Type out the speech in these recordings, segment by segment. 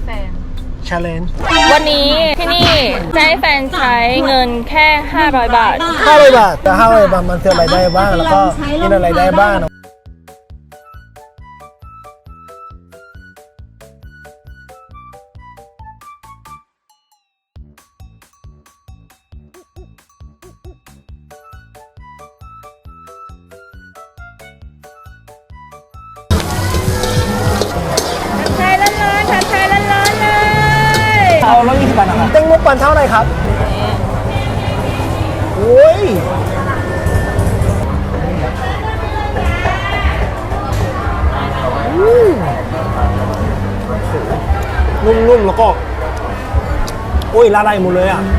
น challenge วันนี้ที่นี่จะให้แฟนใช้เงินแค่500 บาท 500 บาทแต่500 บาทมันซื้ออะไรได้บ้างแล้วก็กินอะไรได้บ้างใช้ร้อนๆใช้ร้อนๆเลยเอา120 บาทนะครับแตงโมปั่นเท่าไหร่ครับโอ้ยนุ่มๆแล้วก็โอ้ยละลายหมดเลยอ่ะ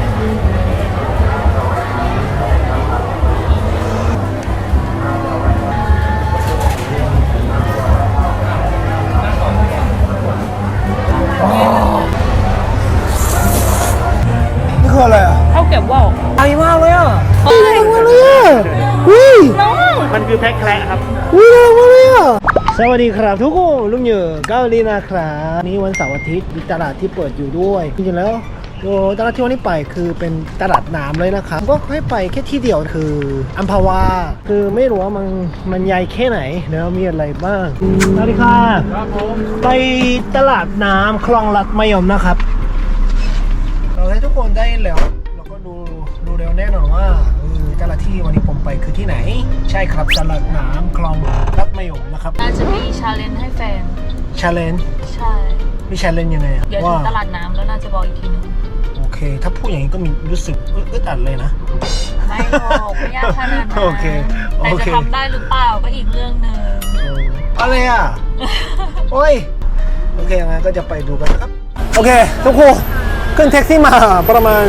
นี่คืออะไรอ่ะเขาเก็บว่าวไอมากเลยอ่ะเฮ้ยมาเลยอ่ะอุ้ยน้องมันคือแพ็คแคระครับอุ้ยมาเลยอ่ะสวัสดีครับทุกคนลุงเหยื่อเกาหลีนะครับนี่วันเสาร์อาทิตย์มีตลาดที่เปิดอยู่ด้วยจริงๆแล้วตลาดที่วันนี้ไปคือเป็นตลาดน้ำเลยนะครับก็ให้ไปแค่ที่เดียวคืออัมพวาคือไม่รู้ว่ามันใหญ่แค่ไหนแล้วมีอะไรบ้างสวัสดีค่ะครับผมไปตลาดน้ำคลองลัดมะยมนะครับเราให้ทุกคนได้แล้วเราก็ดูเร็วแน่นอนว่าตลาดที่วันนี้ผมไปคือที่ไหนใช่ครับตลาดน้ำคลองลัดมะยมนะครับน่าจะมีชาเลนจ์ให้แฟน challenge ใช่มี challenge ยังไงอะเดี๋ยวถึว่างตลาดน้ำแล้วน่าจะบอกอีกทีนึงโอเค ถ้าพูดอย่างนี้ก็มีรู้สึกอึดอัดเลยนะไม่บอกไม่ยากขนาดนั้นโอเคโอแต่เคจะทำได้หรือเปล่าก็อีกเรื่องหนึ่งอะไรอ่ะ โอ้ย โอเคงั้นก็จะไปดูกันนะครับ โอเค ทุกคนขึ้นแท็กซี่มาประมาณ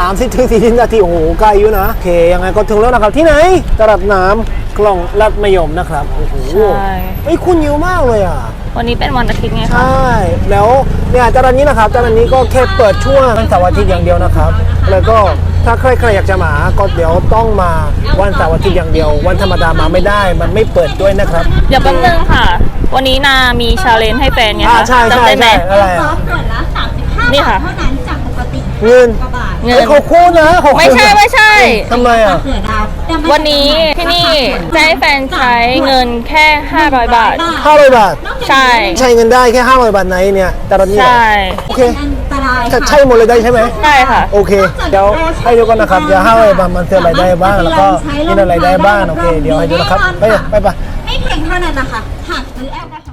30-40 นาที โอ้โหไกลอยู่นะ โอเค ยังไงก็ถึงแล้วนะครับ ที่ไหน ตลาดน้ำคลองลัดมะยมนะครับ โอ้โหใช่เฮ้ยคุณเยอะมากเลยอ่ะวันนี้เป็นวันอาทิตย์ไงใชคะ่ แล้วเนี่ยตลาดนี้นะครับตลาดนี้ก็แค่เปิดช่วงวันเสาร์อาทิตย์อย่างเดียวนะครับ แล้วก็ถ้าใครๆอยากจะมาก็เดี๋ยวต้องมาวันเสาร์อาทิตย์อย่างเดียว วันธรรมดามาไม่ได้ มันไม่เปิดด้วยนะครับเดี๋ยวแป๊บนึงค่ะ วันนี้นามีชาเลนจ์ให้แฟนไงคะใช่จำได้ไหมอะไรซออ่ะฟขวดละ35 นี่บาค่ะทเท่านั้นจากปกติเงินกว่าบาทเงิเฮ้นยขอบคุณนะขอบคุณไม่ใช่ทำไมอ่ะเขือดาวแต่มัวันนี้ที่นี่จะให้แฟนใช้เงินแค่500 บาท 500 บาทใช่ใช้เงินได้แค่500 บาทไหนเนี่ยตลาดนี้เหรอใช่โอเคอันตรายจะใช่หมดเลยได้ใช่ไหมใช่ค่ะโอเค เดี๋ยวให้ดูกันนะครับ เดี๋ยว500 บาทมันซื้ออะไรได้บ้าง แล้วก็กินอะไรได้บ้าง โอเค เดี๋ยวให้ดูนะครับ ไปไม่เพียงเท่านั้นนะคะหากซื้อแอลกอฮอล์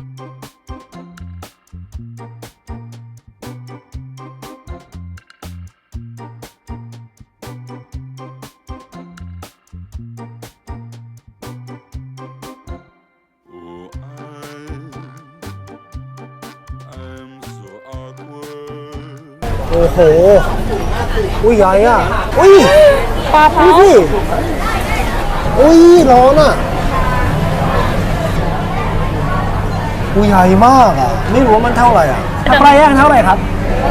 โอ้โห อุ้ยใหญ่อ่ะ อุ้ยปลาเผาดูสิอุ้ยร้อนอ่ะ อุ้ยใหญ่มากอ่ะ ไม่รู้ว่ามันเท่าไหร่อ่ะถ้าปลาย่างเท่าไหร่ครับ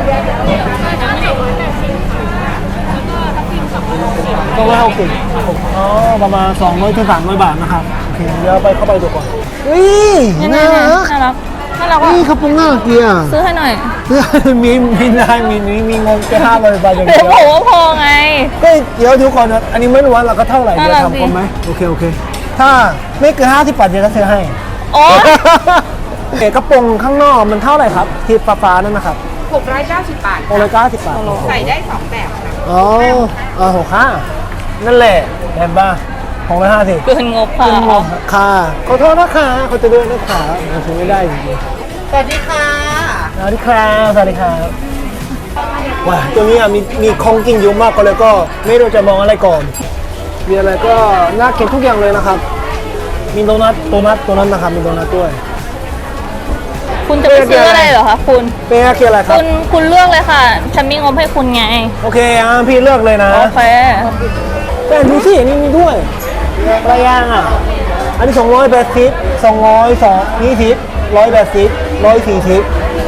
260อ๋อ ประมาณ200 ถึง 300 บาทนะครับ โอเค เดี๋ยวเข้าไปดูก่อนอุ้ยนี่น่ารักน่ารักน่ารักว่ะนี่กระโปรงน่ารักดีอ่ะซื้อให้หน่อยมีได้มีเงินแค่500 บาทอย่างเดี๋เดียยว วบอกว่าพอไงก็เดี๋ยวทุกคนนะอันนี้ไม่รู้ว่าเราก็เท่าไหร่เดี๋ยวน่ารักทำดีคนไหมโอเค ถ้าไม่เกิน50 บาทเดี๋ยวจะซื้อให้โอ้โอเคกระโปรงข้างนอกมันเท่าไหร่ครับที่ฟ้าๆนั่นนะครับ 690 บาท 690 บาทใส่ได้ 2 แบบค่ะอ๋อ65นั่นแหละเห็นป่ะ650 เกินงบค่ะเป็นงบค่ะขอโทษนะคะเขาจะด้วยนะคะมันซื้อไม่ได้จริงสวัสดีค่ะๆสวัสดีครับสวัสดีครับว้าตัวนี้มีของกินเยอะมากก็เลยก็ไม่รู้จะมองอะไรก่อนมีอะไรก็น่ากินทุกอย่างเลยนะครับ มีโดนัทนะครับมีโดนัทด้วยคุณจะไปซื้ออะไรเหรอคะคุณเป็นอะไรครับคุณเลือกเลยค่ะ ฉันมีงบให้คุณไงโอเคพี่เลือกเลยนะโอเคแต่ดูสินี่มีด้วยปลาย่างอ่ะอันนี้280 220 180 140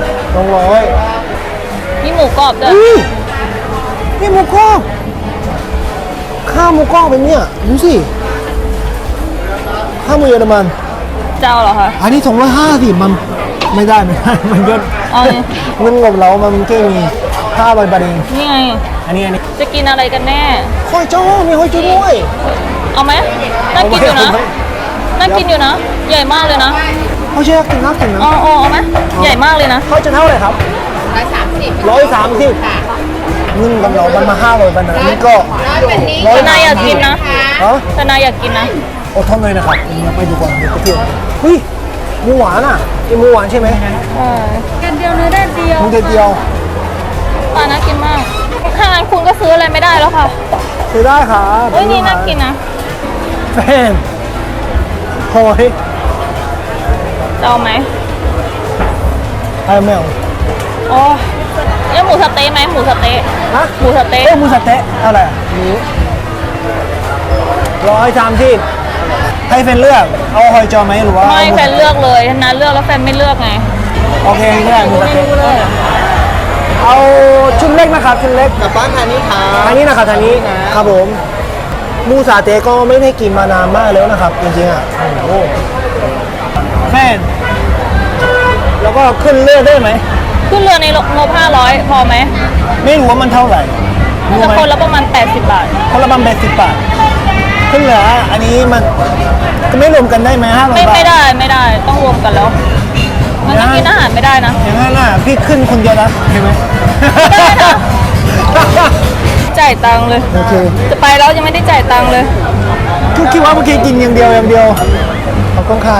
200 มีหมูกรอบด้วยอุ้ยนี่หมูกรอบข้าวหมูกรอบเป็นเนี่ยดูสิข้าวหมูเยอรมันเจ้าเหรอคะอันนี้250มันไม่ได้ มันเยอะเอาเลยเงินงบเรามันแค่มี500 บาทเองนี่ไงอันนี้จะกินอะไรกันแน่หอยจ้อมีหอยจ้อด้วยเอาไหมน่ากินอยู่นะน่ากินอยู่นะ ใหญ่มากเลยนะเขาเชื่อกินน่ากินนะเอาไหมใหญ่มากเลยนะเขาจะเท่าไหร่ครับ 130 130 ค่ะเงินกับเรามันมา500 บาทนะนี่ก็วันนี้แต่นายอยากกินนะฮะแต่นายอยากกินนะอดทนเลยนะครับเราไปดูก่อนเดี๋ยวไปเที่ยวเฮ้ยหมูหวานอ่ะเป็นหมูหวานใช่ไหมกันเดียวเนื้อแดดเดียวหมูเดียวปลาน่ากินมาก ถ้างั้นคุณก็ซื้ออะไรไม่ได้แล้วค่ะซื้อได้ครับเฮ้ยนี่น่ากินนะแฟนหอยจะเอาไหมไอ้แมวโอ้ยหมูสะเต๊ะไหมหมูสะเต๊ะฮะหมูสะเต๊ะหมูสะเต๊ะเท่าไหร่หมู130ให้แฟนเลือกเอาหอยจอไหมหรือว่าไม่อาหแฟนเลือกเลยถ้านัดเลือกแล้วแฟนไม่เลือกไงโอเคไม่ได้หมูสะเต๊ะเอาชุดเล็กนะครับชุดเล็กกับป้าทานี้ครับทานี้นะครับทานี้ครับผมหมูสะเต๊ะก็ไม่ได้กินมานานมากแล้วนะครับจริงๆอ่ะโอ้โหแฟนแล้วก็ขึ้นเลือกได้ไหมขึ้นเรือในงบ500พอไหมไม่รู้ว่ามันเท่าไหร่รู้จะไหมคนละประมาณ80 บาทคนละประมาณ80 บาทขึ้นเหลืออันนี้มันก็ไม่รวมกันได้ไหม500 บาทไม่ได้ต้องรวมกันแล้วงั้นก็กินอาหารไม่ได้นะอย่างนั้นน่ะพี่ขึ้นคนเดียวนะเห็นไหมได้นะ จ่ายตังค์เลยโอเคจะไปแล้วยังไม่ได้จ่ายตังค์เลยคิดว่าเมื่อกี้กินอย่างเดียวขอบคุณครับ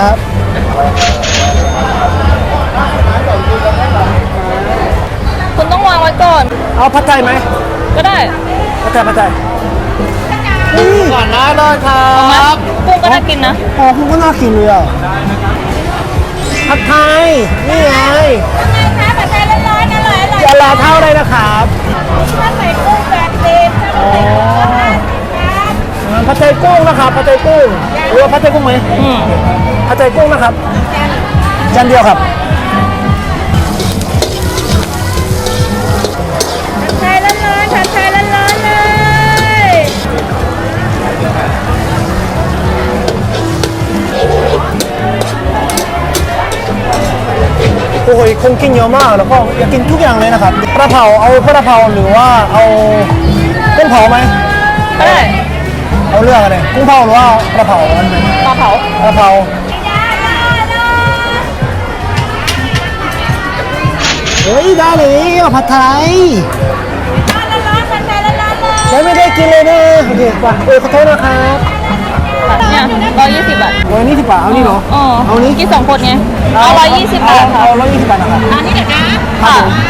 คุณต้องวางไว้ก่อนเอาผัดไทยไหมก็ได้ผัดไทยนี่ก่อนนะเลยครัเอาไหมบกุ้งก็น่ากินนะอ๋อคุณก็น่ากินเลยอ่ะผัดไทยนี่ไงคะผัดไทยร้อนๆอร่อยจะรอเท่าไรนะครับๆถ้าใส่กุ้งแบบเต็มถ้าใส่กุ้ง50 ครับผัดไทยกุ้งนะครับผัดไทยกุ้งหรือว่าผัดไทยกุ้งไหมอืมผัดไทยกุ้งนะครับจานเดียวครับผัดไทยร้อนๆผัดไทยร้อนๆเลยโอ้ยคงกินเยอะมากแล้วก็อยากกินทุกอย่างเลยนะครับกระเพราเอากระเพราหรือว่าเอากุ้งเผาไหมก็ได้เอาเลือกอะไรกุ้งเผาหรือว่ากระเพราอันไหนปลาเผากระเพราเฮ้ยได้เลยเอาผัดไทยร้อนๆผัดไทยร้อนๆเลยฉันไม่ได้กินเลยนะโอเคป่ะขอโทษนะครับเนี่ย120 บาทวันนี้10 บาทเอานี่เหรออ๋อเอานี้กิน2 คนไงเอา120 บาทค่ะเอา120 บาทนะครับอันนี้เดี๋ยวนะค่ะ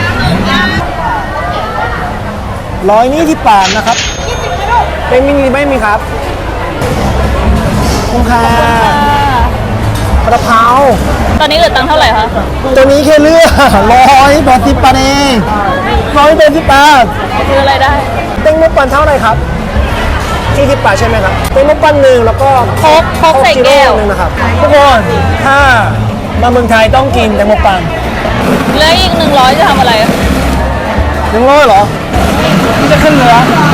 120 บาทนะครับเป็นมินิไม่มีครับขอบคุณค่ะกระเพราตอนนี้เหลือตังค์เท่าไหร่คะตัวนี้แค่เลือก180 บาทเอง180 บาทซื้ออะไรได้เต็งมุกปันเท่าไหร่ครับ40 บาทใช่ไหมครับเต็งมุกปันหนึ่งแล้วก็โค้กใส่แก้วหนึ่งนะครับทุกคนถ้ามาเมืองไทยต้องกินเต็งมุกปันเหลืออีก100จะทำอะไร 100เหรอพี่จะขึ้นเรือ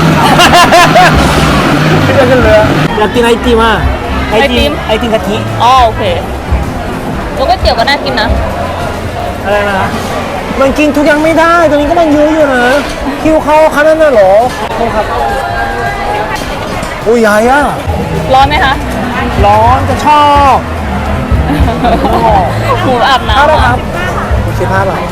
พี่จะขึ้นเรืออยากกินไอติมอ่ะไอติมกะทิอ๋อโอเคแล้วก๋วยเตี๋ยวก็น่ากินนะอะไรนะมันกินทุกอย่างไม่ได้ตรงนี้ก็มันเยอะอยู่นะคิวเขาขนาดนั้นเหรอขอบคุณครับอุ้ยใหญ่อะร้อนไหมคะร้อนจะชอบหมูอาบน้ำเท่าไหร่อะครับ15 บาท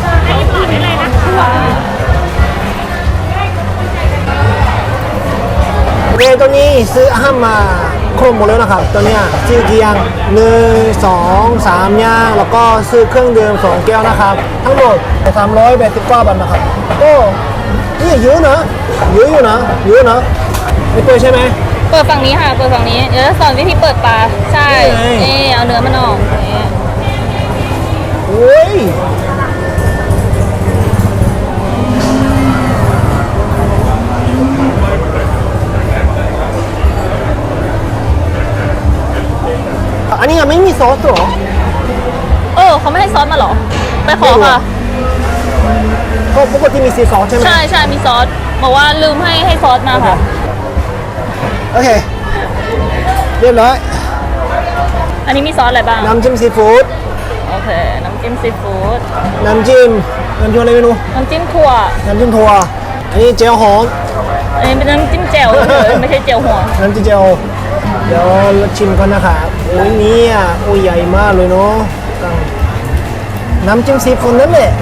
โอเคตัวนี้ซื้ออาหารมาครบหมดแล้วนะครับตัวเนี้ยซื้อกี่อย่าง1 2 3อย่างแล้วก็ซื้อเครื่องดื่ม2 แก้วนะครับ ทั้งหมด389 บาทนะครับก็นี่เยอะนะเยอะอยู่นะเยอะนะไม่เปิดใช่ไหมเปิดฝั่งนี้ค่ะ เปิดฝั่งนี้ เดี๋ยวจะสอนวิธีเปิดปลา ใช่นี่ไงนี่เอาเนื้อมันออกนี่โอ้ยอันนี้ยังไม่มีซอสเหรอเขาไม่ให้ซอสมาเหรอ ไปขอค่ะก็ปกติมีซีซอสใช่ไหมใช่มีซอส บอกว่าลืมให้ซอสมาค่ะโอเค เรียบร้อยอันนี้มีซอสอะไรบ้างน้ำจิ้มซีฟู้ดโอเค น้ำำจิ้มซีฟู้ดน้ำจิ้มอะไรไม่รู้น้ำจิ้มถั่วน้ำจิ้มถั่วอันนี้เจลหอมอันนี้เป็นน้ำจิ้มแจ่วเฉยๆไม่ใช่แจ่วหัวน้ำจิ้มเจลเดี๋ยวเราชิมกันนะคะโอ้ยเนี่ยโอ้ยใหญ่มากเลยเนาะน้ำจิ้มซีฟู้ดนั่นแหละ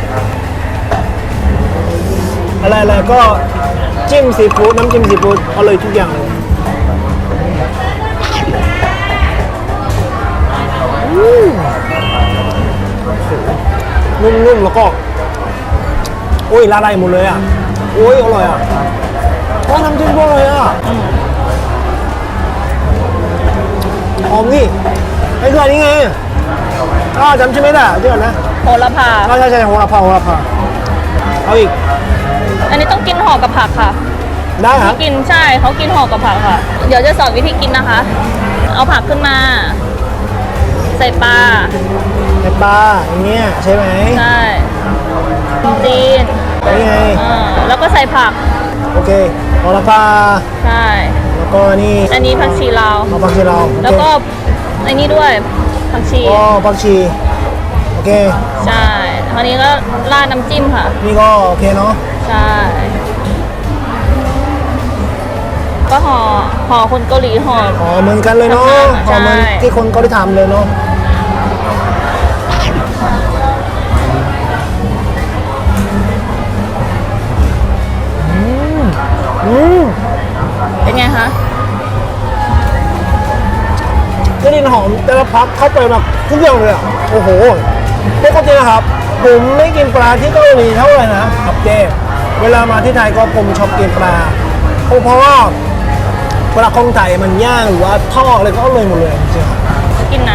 อะไรก็จิ้มซีฟู้ดน้ำจิ้มซีฟู้ดอร่อยทุกอย่างเลยนุ่มๆแล้วก็โอ้ยละลายหมดเลยอ่ะโอ้ยอร่อยอ่ะโอ้น้ำจิ้มก็อร่อยอ่ะหอมนี่ไอ้คืออันนี้ไงจำชื่อไม่ได้เดี๋ยวนะโหระพาใช่โหระพาเอาอีกอันนี้ต้องกินห่อกับผักค่ะได้ครับกินใช่เขากินห่อกับผักค่ะ เดี๋ยวจะสอนวิธีกินนะคะ เอาผักขึ้นมา ใส่ปลาในปลาอย่างเงี้ยใช่ไหมใช่จีนนี่ไงแล้วก็ใส่ผักโอเคโหระพาใช่แล้วก็นี่อันนี้ผักชีลาวเอาผักชีเราโอเคแล้วก็ไอ้นี่ด้วยผักชีอ๋อผักชีโอเคใช่คราวนี้ก็ราดน้ำจิ้มค่ะนี่ก็โอเคเนาะใช่ ก็ห่อคนเกาหลีห่ออ๋อเหมือนกันเลยเนาะใช่เหมือนที่คนเขาได้ทำเลยเนาะอืมเป็นไงคะกลิ่นหอมแต่ละพักเข้าไปแบบทุกอย่างเลยอ่ะโอ้โหปกตินะครับผมไม่กินปลาที่เกาหลีเท่าไหร่นะครับเจ๊เวลามาที่ไทยก็ผมชอบกินปลาเพราะว่าปลาของไทยมันย่างหรือว่าทอดอะไรก็อร่อยหมดเลยจริงๆกินน้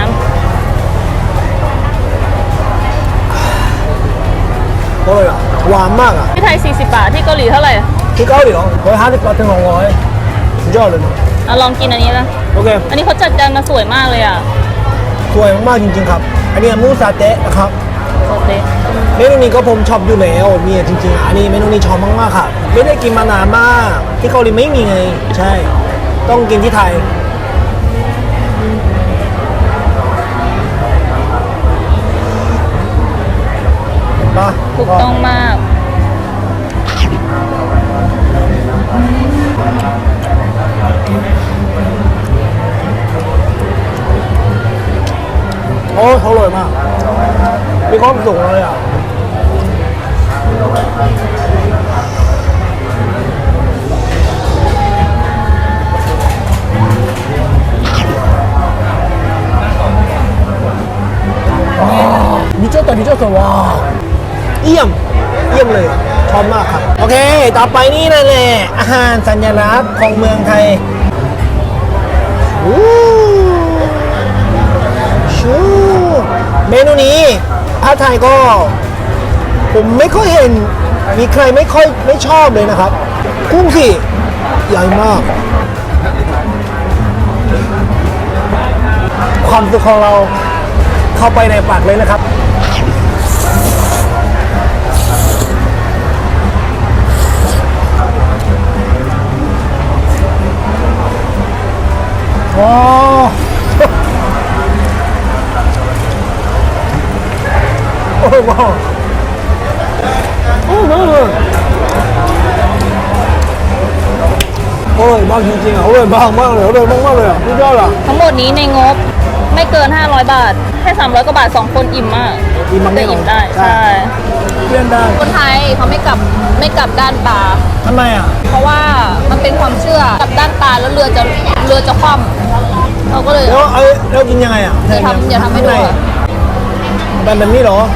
อร่อยอ่ะหวานมากอ่ะำที่ไทย40 บาทที่เกาหลีเท่าไหร่ที่เกาหลีเหรอ150 บาทถึง200สุดยอดเลยนะเอาลองกินอันนี้นะโอเคอันนี้เขาจัดจานมาสวยมากเลยอ่ะสวยมากๆจริงๆครับ อันนี้หมูซาเตะนะครับโอเคเมนูนี้ก็ผมชอบอยู่แล้วมีจริงๆอันนี้เมนูนี้ชอบมากๆค่ะไม่ได้กินมานานมากที่เกาหลีไม่มีไงใช่ ต้องกินที่ไทยเห็นปะถูกต้องมากโอ้เขาอร่อยมากมีความสุขเลยอ่ะ미쳤다 와เยี่ยมเลยชอบมากครับโอเคต่อไปนี่นั่นแหละอาหารสัญลักษณ์ของเมืองไทยชูเมนูนี้ถ้าไทยก็ผมไม่ค่อยเห็นมีใครไม่ชอบเลยนะครับกุ้งสิใหญ่มากความสุขของเราเข้าไปในปากเลยนะครับโอ้โอ้ว้าวโอ้มาเลยโอ้ยบ้าจริงๆอ่ะโอ้ยบ้ามากเลยโอ้ยมากเลยอ่ะสุดยอดอ่ะทั้งหมดนี้ในงบไม่เกิน 500 บาท แค่ 300 กว่าบาท 2 คนอิ่มมากอิ่มมากแน่จะนอนอิ่มได้ใช่ใช่เพื่อนได้คนไทยเขาไม่กลับด้านปลาทำไมอ่ะเพราะว่ามันเป็นความเชื่อกลับด้านปลาแล้วเรือจะคว่ำเราก็เลยแล้วกินยังไงอ่ะอย่าทำให้ดูอะแบบนี้เหรอ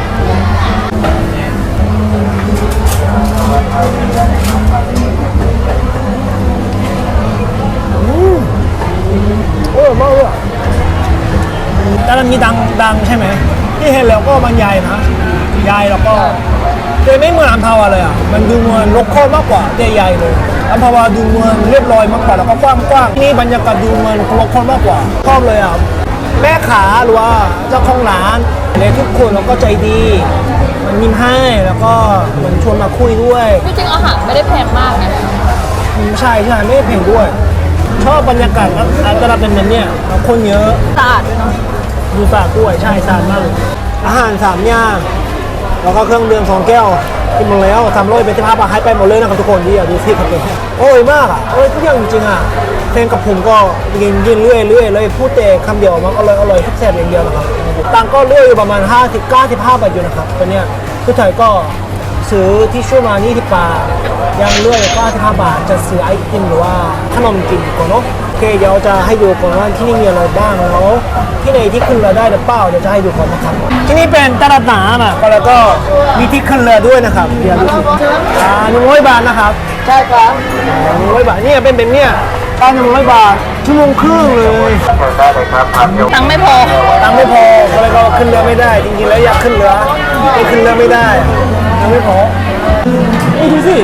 โอ้ยมากเลยแต่มันมีดังใช่ไหมที่เห็นแล้วก็มันใหญ่นะใหญ่แล้วก็แต่ไม่เหมือนอัมพาวาเลยอ่ะมันดูเหมือนโลคอลมากกว่าแต่ใหญ่เลยอัมพาวาดูเหมือนเรียบร้อยมากกว่าแล้วก็กว้างๆนี่บรรยากาศดูเหมือนโลคอลมากกว่าชอบเลยอ่ะแม่ขาหรือว่าเจ้าของร้านเลยทุกคนแล้วก็ใจดีมันยิ้มให้แล้วก็เหมือนชวนมาคุยด้วยจริงๆอาหารไม่ได้แพงมากนะใช่ไม่ได้เพลงด้วย ชอบบรรยากาศตลาดเป็นแบบเนี้ยคนเยอะสะอาดด้วยเนาะดูสะอาดด้วยใช่สะอาดมากเลยอาหาร3อย่างแล้วก็เครื่องดื่ม2แก้วกินหมดแล้ว300เป็น15 บาทให้ไปหมดเลยนะครับทุกคนที่อยากดูที่ครับโอ้ยมากอ่ะโอ้ยทุกอย่างจริงๆอ่ะแฟนกับผมก็กินเรื่อยเลยพูดแต่คำเดียวมันอร่อยแซ่บๆอย่างเดียวนะครับตังก็เรื่อยอยู่ประมาณ50-95 บาทอยู่นะครับตัวเนี้ยผู้ชายก็ซื้อที่ช่วยมา20 บาทยังเรื่อย95 บาทจะซื้อไอติมหรือว่าขนมกินก่อนเนาะโอเคเดี๋ยวจะให้ดูก่อนว่าที่นี่มีอะไรบ้างแล้วที่ไหนที่ขึ้นเรือได้หรือเปล่าเดี๋ยวจะให้ดูก่อนนะครับที่นี่เป็นตลาดน้ำอ่ะแล้วก็มีที่ขึ้นเรือด้วยนะครับเดี๋ยวดู100 บาทนะครับใช่ครับ100 บาทเนี่ยเป็นเนี่ยตั้ง100 บาทชั่วโมงครึ่งเลยตังค์ไม่พอตังค์ไม่พอก็เลยก็ขึ้นเรือไม่ได้จริงๆแล้วอยากขึ้นเรือแต่ขึ้นเรือไม่ได้ตังค์ไม่พอนี่ดูสิ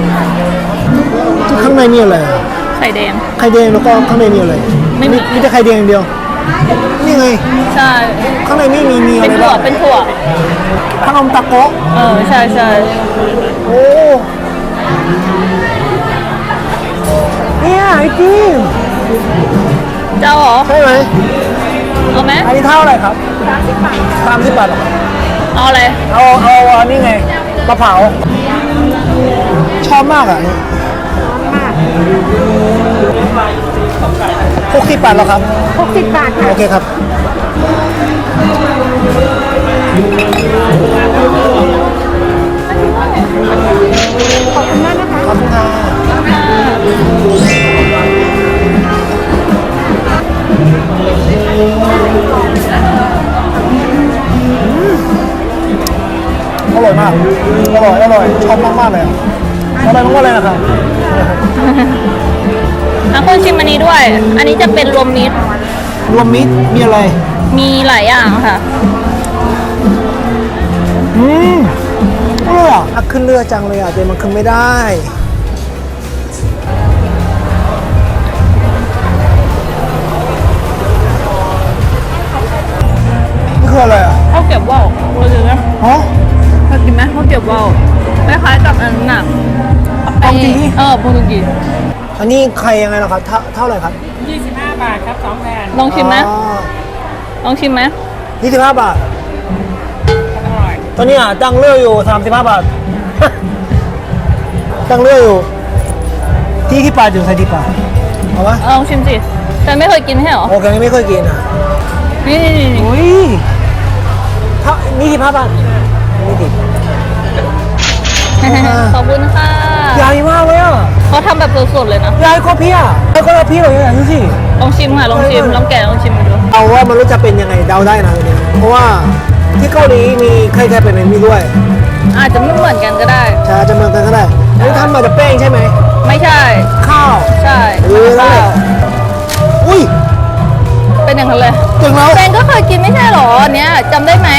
ข้างในมีอะไรไข่แดงไข่แดงแล้วก็ข้างในมีอะไรไม่มีมีแต่ไข่แดงอย่างเดียวนี่ไงใช่ข้างในไม่มีอะเป็นไรถั่วบ้างเป็นถั่วขนมตะโกะใช่โอ้เนี่ยไอติมเจ้าเหรอใช่ไหมเอาไหมอันนี้เท่าไหร่ครับ30 บาทเหรอเอาอะไรเอาอันนี้ไงมะพร้าวชอบมากอ่ะ60 บาทแล้วครับ 60 บาทค่ะโอเคครับขอบคุณมากนะคะขอบคุณค่ะอร่อยมากอร่อยชอบมากๆเลยอะอร่อยมากๆเลยนะครับคุณชิมอันนี้ด้วย อันนี้จะเป็นรวมมิตรรวมมิตรมีอะไรมีหลายอย่างค่ะอร่อยอ่ะขึ้นเรือจังเลยอ่ะแต่มันขึ้นไม่ได้นี่คืออะไรอ่ะข้าวเกรี๊ยวว่าวรู้จักไหมฮะเคยกินไหมข้าวเกรี๊ยวว่าวคล้ายๆกับอันนั้นน่ะโปรตุเกสโปรตุเกสอันนี้ใครยังไงล่ะครับเท่าไหร่ครับ 25 บาทครับ2แผ่นลองชิมไหมอ๋อลองชิมไหม 25 บาทอร่อยตอนนี้อ่ะตั้งเรืออยู่35 บาท ตั้งเรืออยู่ที่ปลาอยู่ใส่ที่ปลาเอาปะลองชิมสิแต่ไม่เคยกินใช่เหรอโอเคไม่เคยกินอ่ะนี่อุ้ยนี่15 บาทนี่ดิขอบคุณค่ะใหญ่มากเลยอ่ะเขาทำแบบสดๆเลยนะใหญ่กว่าพี่อ่ะใหญ่กว่าพี่เลยอ่ะดูสิลองชิมค่ะ ลองชิม ลองแกะลองชิมมาดูเอาว่ามันรู้จะเป็นยังไงเดาได้นะเนี่ยเพราะว่าที่เกาหลีมีไข่แค่เป็นในนี้ด้วยอาจจะไม่เหมือนกันก็ได้ใช่จะเหมือนกันก็ได้อันนี้ทำมาจากแป้งใช่ไหมไม่ใช่ข้าวใช่นั่นแหละอุ้ยเป็นอย่างนั้นเลยถึงแล้วแฟนก็เคยกินไม่ใช่เหรออันเนี้ยจำได้ไหม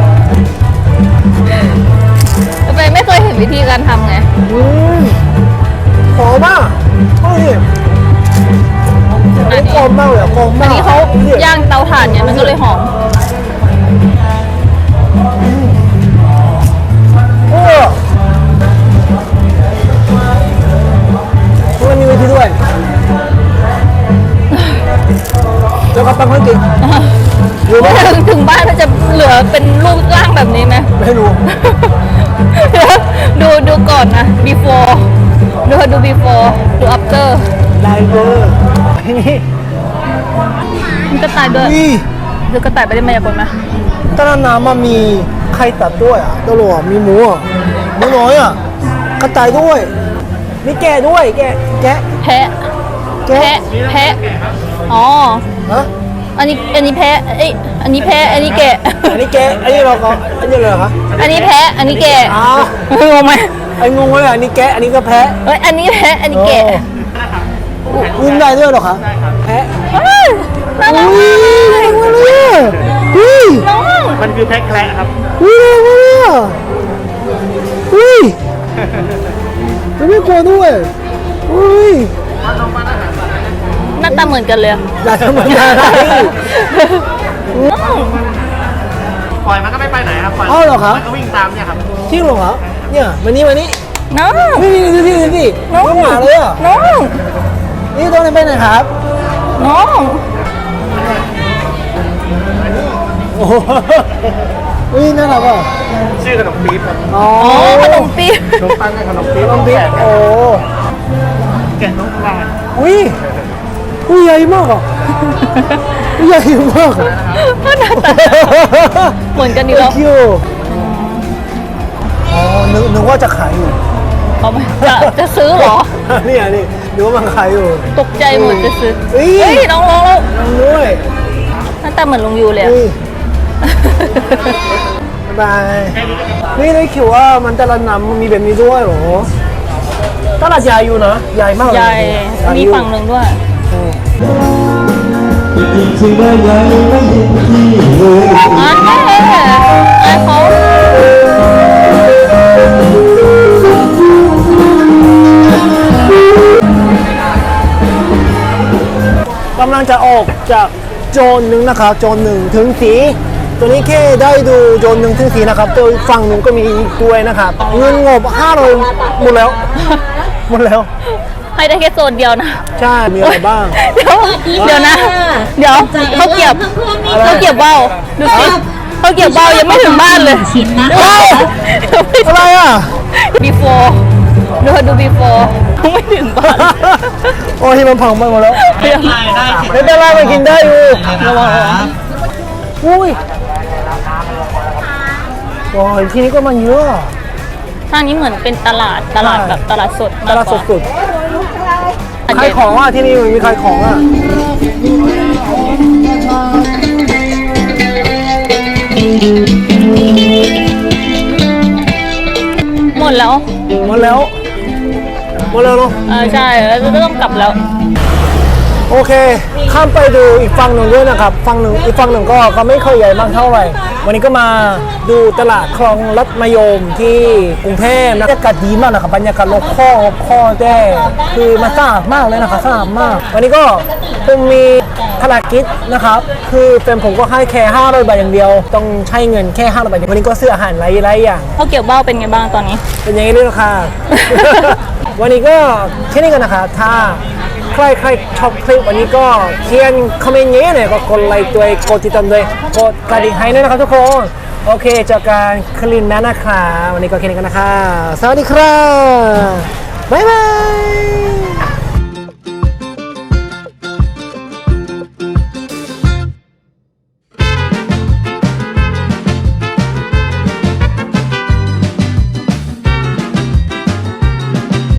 แต่แฟนไม่เคยเห็นวิธีการทำไงหอมมากโอ้ยอันนี้หอมมากเลยหอมอัมาน กนี้เขาย่างเตาถ่านเนี่ยมันก็เลยหอมโอ้มันมีวิธีด้วยเจ้ากระปังคนกินรู้ไหมถึงบ้านมันจะเหลือเป็นรูปร่างแบบนี้ไหมไม่รู้ดูก่อนนะ before ดู before ดู after ไลเวอร์นี่มีกระต่ายด้วยนี่ดูกระต่ายไปได้มายากลไหมตอนนั้นน้ำมันมีไข่ตัดด้วยอ่ะตลอดมีหมูอ่ะหมูน้อยอ่ะกระต่ายด้วยมีแกะด้วยแกะแพะแกะแพะอ๋อฮะอันนี้แพะเอ้ยอันนี้แพะ อันนี้แกะอันนี้แกะอันนี้เราก็อันนี้เลยเหรอคะอันนี้แพะ อันนี้แกะอ้าวงงไหมไอ้งงเลยอันนี้แกะอันนี้ก็แพะเฮ้ย อันนี้แพะ อันนี้แกะวิ่งได้ด้วยเหรอคะแพะเฮ้ยน่ารักอุ้มากยแรงมากเลยอ่ะอุ้ยน้องมันคือแพ็คแคระครับอุ้ยแรงมากเลยอ่ะอุ้ยมันไม่กลัวด้วยอุ้ยหน้าตาเหมือนกันเลยอะอย่าทำมันอะไรน้องปล่อยมันก็ไม่ไปไหนครับ ปล่อยอ้าวเหรอครับมันก็วิ่งตามเนี่ยครับจริงเหรอครับเนี่ยมานี่น้องนี่ดูสิน้องน้องหมาเลยอ่ะน้องนี่ตัวนี้ไปไหนครับน้องโอ้โหอุ้ยน่ารักอ่ะชื่อขนมปี๊บครับอ๋ออ๋อขนมปี๊บขนมปังกับขนมปี๊บลองดิโอ้แกะน้องปลาอุ้ยอุ้ยใหญ่มากอ่ะอุ้ยใหญ่มากอ่ะหน้าตาเหมือนกันดีแล้วคิวอ๋อนึกว่าจะขายอยู่เอาไหมจะซื้อเหรอเนี่ยนี่นึกว่ามันขายอยู่ตกใจหมดจะซื้อเฮ้ยเฮ้ยน้องลองแล้วลองด้วยหน้าตาเหมือนลุงยูเลยอะอุ้ยบ๊ายบายนี่ได้คิดว่ามันแต่ละน้ำมันมีแบบนี้ด้วยเหรอตลาดใหญ่อยู่นะใหญ่มากเลยใหญ่ใหญ่มีอยู่ฝั่งหนึ่งด้วย อันนี้ไอ้เขากำลังจะออกจากโจนหนึ่งนะครับโจนหนึ่งถึงสีตัวนี้แค่ได้ดูโจนหนึ่งถึงสีนะครับตัวฝั่งหนึ่งก็มีอีกด้วยนะครับเงินงบ500หมดแล้ว หมดแล้วให้ได้แค่โซนเดียวนะใช่มีอะไรบ้างเดี๋ยวนะ เดี๋ยวเขาเก็บว่าวดูสิเขาเก็บว่าวยังไม่ถึงบ้านเลยชิ้นนะเฮ้ยอะไรอ่ะ before ดู before ยังไม่ถึงบ้านโอ้ยมันพังไปหมดแล้วเดี๋ยวไม่เป็นไรมันกินได้อยู่ระวังอุ้ยโอ้ยที่นี้ก็มันเยอะทางนี้เหมือนเป็นตลาดแบบตลาดสดตลาดสดๆขายของอ่ะที่นี่มันมีขายของอ่ะหมดแล้วหมดแล้วหมดแล้วเนาะใช่แล้วจะต้องกลับแล้วโอเค ข้ามไปดูอีกฝั่งหนึ่งด้วยนะครับฝั่งหนึ่งอีกฝั่งหนึ่งก็ไม่ค่อยใหญ่มากเท่าไหร่ วันนี้ก็มาดูตลาดคลองลัดมะยมที่กรุงเทพนะบรรยากาศดีมากนะครับบรรยากาศโลคอลแต่คือมันสะอาดมากเลยนะครับสะอาดมาก วันนี้ก็ผมมีภารกิจนะครับ คือเป็นผมก็ให้แค่500 บาทอย่างเดียว ต้องใช้เงินแค่500 บาทวันนี้ก็ซื้ออาหารหลายอย่างเขาเก็บว่าวเป็นไงบ้างตอนนี้เป็นอย่างนี้ด้วยค่ะ วันนี้ก็แค่นี้กันนะคะถ้าใครชอบคลิปวันนี้ก็เขียนคอมเมนต์เยอะๆเลยก็กดไลค์ด้วยกดติดตามด้วยกดกระดิ่งให้ด้วยนะครับทุกคนโอเคเจอกันคลิปหน้านะคะวันนี้ก็แค่นี้กันนะคะสวัสดีครับบ๊ายบาย